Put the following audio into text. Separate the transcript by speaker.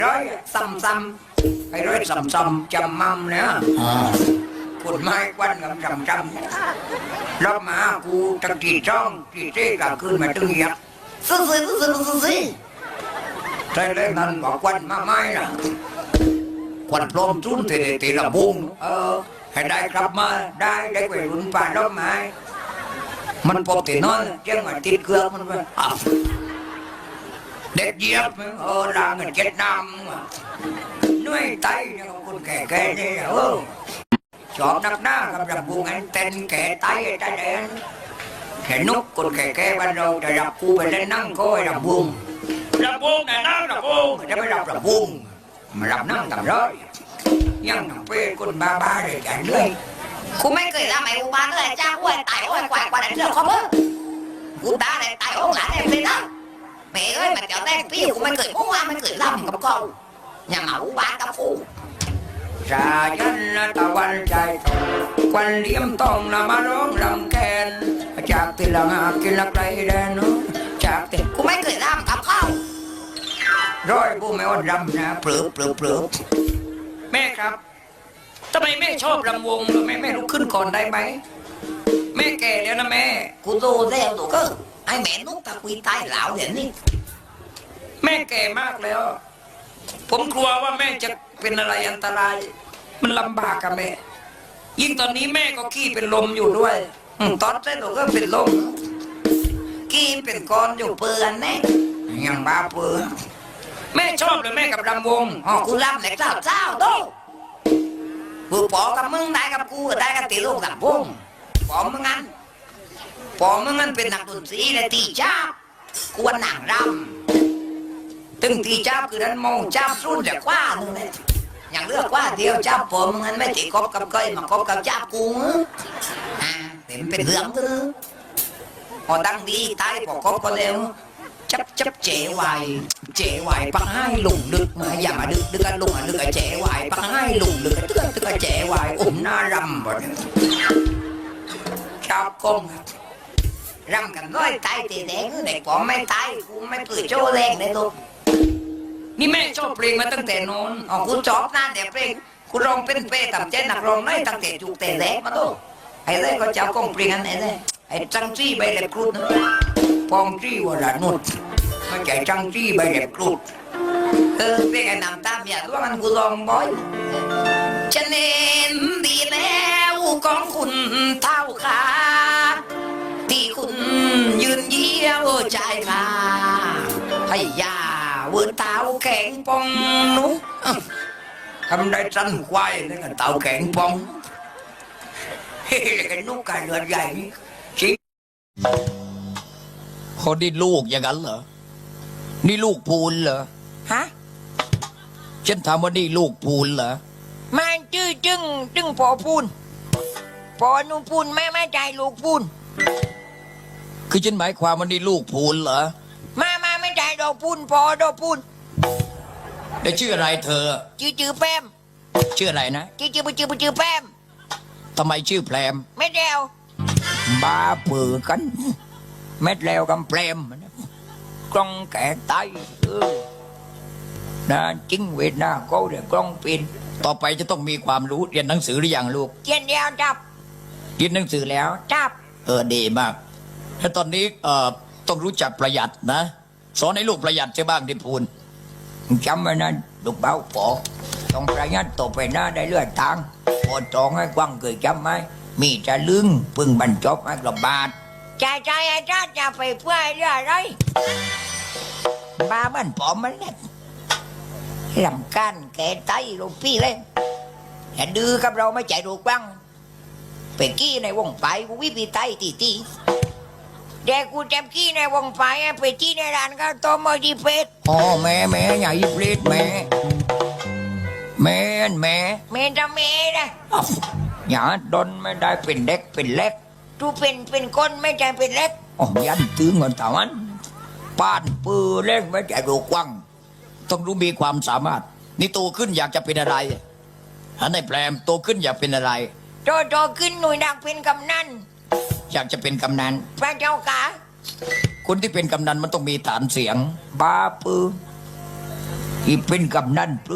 Speaker 1: ร้อยซ้ำๆไอ้ร้อยซ้ำๆจำมั่มเนี่ยคุณไม้ควันกับจำรอบมากูตะกี้จ้องกี่เจ๊กับคืนมาตึงยักซื้อใช่เลยนั่นบอกควันมาไม้ล่ะควันพรมจุ้นตีละบุงให้ได้กลับมาได้ไปรุ่นป่ารอบไม้มันปกติน้อยเจ้ามาติดเครื่องมันไปเด็กเยียบลาเงินเจ็ดน้ำnuôi tay con kẻ đi chọn đắp đá gặp đập buông anh tên kẻ tay tay đen kẻ nút con kẻ ban đầu để đập cu về lên năng coi đập buông này năng đập buông để mới đập buông mà đập năng tầm rồi nhưng thằng phê con ba để chạy lưới
Speaker 2: กูไม่เคยทำไอ้กูบ้านเลยจ้ากูไอ้ตายโอ้ยกว่าเรื่องของมึงกูตาเลยตายโอ้หลานเอ็มเลยนะแม่เอ้ยมันเจ้าแต้งพี่กูไม่เคยมุ่งว่าไม่เคยทำกับเขาอย่ามากูบ้านกับกู
Speaker 1: ra dân ta quan chạy quan liêm tông là má rốt lòng kèn chạc thì là ngạc kia lạc đây đen nữa chạc thì
Speaker 2: กูไม่เคยทำกับเขา
Speaker 1: rồiกูไม่อดรำนะปลืบแม่ครับทำไมแม่ชอบรำวงหรือแม่ลุกขึ้นก่อนได้ไหมแม่แก่แล้วนะแม่
Speaker 2: กูโตแล้วตัวก็ไอ้แม่นุ๊กตะกุยตายเหล่าเดี๋ยวนี้
Speaker 1: แม่แก่มากแล้ว ผมกลัวว่าแม่จะเป็นอะไรอันตรายมันลำบากกับแม่ยิ่งตอนนี้แม่ก็ขี้เป็นลมอยู่ด้วยตอนเส้นหนูก็เป็นลม
Speaker 2: กี้เป็นก้อนอยู่เปื่อนแน่
Speaker 1: ยังบ้าเปื่อนแม่ชอบเลยแม่กับรำวง
Speaker 2: อ๋อกูรำแต่เจ้าโตกูปอกับมึงได้กับกูได้กับตีลูกกับพงปอมึงงั้นเป็นนักดนตรีและตีจ้ากวนหนังรำ
Speaker 1: ตึงตีจับคือนั้นมองจับสู้แต่กว่านึงเลยอย่างเลือกว่าเดียวจับผมงั้นไม่ติดคบกับก้อยมาคบกับจับกูเห็นเป็นเรื่องคือพอดังดีตายพอคบก็เร็วจับเจ๋ไหวปังให้หลุงดึกมาอย่ามาดึกกันลุงดึกเจ๋ไหวปังให้หลุงดึกตึกเจ๋ไหวหน้ารำหมดชอบกงรำกันร้อยตายตีแดงเด็กผมไม่ตายกูไม่ปืนโจ้แรงเลยลูกนี่แม่ชอบเพลงมาตั้งแต่นอนกูชอบนั่นแต่เพลงกูร้องเป็นเป้ต่ำใจหนักร้องน้อยตั้งแต่จุกแต่แรกมาดูไอ้เล่ก็เจ้ากองเพลงอันไหนเลยไอ้จังจี้ใบเล็บครุฑปองจี้ว่าละนุดไม่ใช่จังจี้ใบเล็บครุฑเพลงไอ้น้ำตาเมียตัวมันกูร้องบ่อยฉันเห็นดีแล้วของคุณเท่าขาที่คุณยืนเยี่ยวใจมาให้ยาเวืนเท้าแข็งปองนุ๊กทำได้สั้นควายนี่ก็เท้าแข็งปองเฮ้ยไอ้นุ๊กกายเลือดใหญ่ชิเขาได้ลูกอย่างนั้นเหรอนี่ลูกพูนเหรอ
Speaker 2: ฮะ
Speaker 1: ฉันถามว่านี่ลูกพูนเหรอ
Speaker 2: มันชื่อจึงพอพูนพอนูพูนไม่ใจลูกพูน
Speaker 1: คือฉันหมายความว่านี่ลูกพูนเหรอ
Speaker 2: มาไม่ใจดอกพูนพอดอกพูน
Speaker 1: ได้ชื่ออะไรเธอ
Speaker 2: ชื่อแป้ม
Speaker 1: ชื่ออะไรนะ
Speaker 2: ชื่อแป้ม
Speaker 1: ทำไมชื่อแพรม
Speaker 2: ไม่เดียว
Speaker 1: บ้าเปือกันเม็ดแล้วกำแพรมกล้องแก่ไตนะจริงเวทนาก็เดี๋ยวกล้องปินต่อไปจะต้องมีความรู้เรียนหนังสือหรือยังลูก
Speaker 2: เจียนเดียวจับ
Speaker 1: เรียนหนังสือแล้ว
Speaker 2: จับ
Speaker 1: ดีมากแล้วตอนนี้ต้องรู้จักประหยัดนะสอนให้ลูกประหยัดใช่บ้างที่พูนจำไว้นะลูกเบ้าปอต้องประหยัดต่อไปหน้าได้เลือดทางพอจองให้กว้างเคยจำไหมมีจะลึงพึ่งบรรจบให้กระบาด
Speaker 2: ใจไอ้จ้าจะไปเพื่อเรื่องอะไร
Speaker 1: บ้ามันปอมมันเล็ดลำกันแก่ไตลูกพี่เลยอย่าดื้อกับเราไม่ใจดูกว้างไปกี้ในวงไฟกูวิปีไตตี
Speaker 2: เด็กกูจำกี้ในวงไฟไปที่ในร้านก็ต้มมอดีเป็ด
Speaker 1: อ๋อแม่อย่ายิบเล็ดแม่
Speaker 2: เมนจะเมนะ
Speaker 1: อย่าดนไม่ได้เป็นเด็กเป็นเล็ก
Speaker 2: ตูเป็นคนไม่ใจเป็นเล็ก
Speaker 1: อ๋อยันตื้อเงินตาวันป้านปือเล่นไม่ใจดูกว้างต้องรู้มีความสามารถนี่โตขึ้นอยากจะเป็นอะไรอันในแปลมโตขึ้นอยากเป็นอะไร
Speaker 2: โตขึ้นหน่วยดักเป็นกำนัน
Speaker 1: อยากจะเป็นกำนัน
Speaker 2: พระเจ้าค่ะ
Speaker 1: คนที่เป็นกำนันมันต้องมีฐานเสียงบ้าปือ
Speaker 3: อีเป็นกำนัน